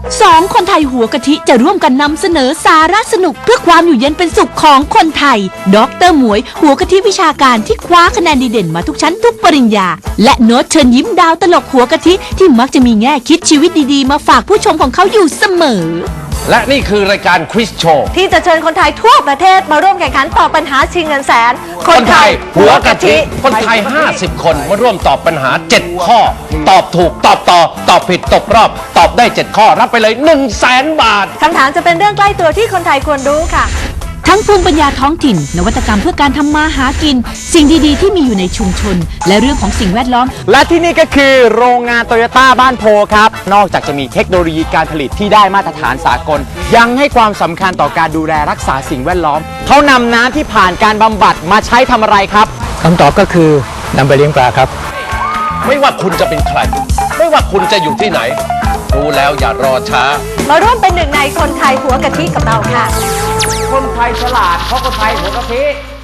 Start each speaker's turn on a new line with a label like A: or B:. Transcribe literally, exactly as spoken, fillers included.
A: สองคนไทยหัวกะทิจะร่วมกันนำเสนอสาระสนุกเพื่อความอยู่เย็นเป็นสุขของคนไทยดร.หมวยหัวกะทิวิชาการที่คว้าคะแนนดีเด่นมาทุกชั้นทุกปริญญาและโน้ตเชิญยิ้มดาวตลกหัวกะทิที่มักจะมีแง่คิดชีวิตดีๆมาฝากผู้ชมของเขาอยู่เสมอ
B: และนี่คือรายการควิสโชว์
C: ที่จะเชิญคนไทยทั่วประเทศมาร่วมแข่งขันตอบปัญหาชิงเงินแสน
B: คนไทยหัวกะทิคนไทยห้าสิบคนมาร่วมตอบปัญหาเจ็ดข้อตอบถูกตอบต่อตอบผิดตกรอบตอบได้เจ็ดข้อรับไปเลย หนึ่งแสน บาท
C: คำถามจะเป็นเรื่องใกล้ตัวที่คนไทยควรรู้ค่ะ
A: ทั้งภูมิปัญญาท้องถิ่นนวัตกรรมเพื่อการทำมาหากินสิ่งดีๆที่มีอยู่ในชุมชนและเรื่องของสิ่งแวดล้อม
D: และที่นี่ก็คือโรงงานโตโยต้าบ้านโพครับนอกจากจะมีเทคโนโลยีการผลิตที่ได้มาตรฐานสากลยังให้ความสำคัญต่อการดูแลรักษาสิ่งแวดล้อมเขานำน้ำที่ผ่านการบำบัดมาใช้ทำอะไรครับ
E: คำตอบก็คือนำไปเลี้ยงปลาครับ
B: ไม่ว่าคุณจะเป็นใครไม่ว่าคุณจะอยู่ที่ไหนรู้แล้วอย่ารอช้า
C: มาร่วมเป็นหนึ่งในคนไทยหัวกะทิกับเราค่ะ
D: คนไทยฉลาดเพราะคนไทยหัวกะทิ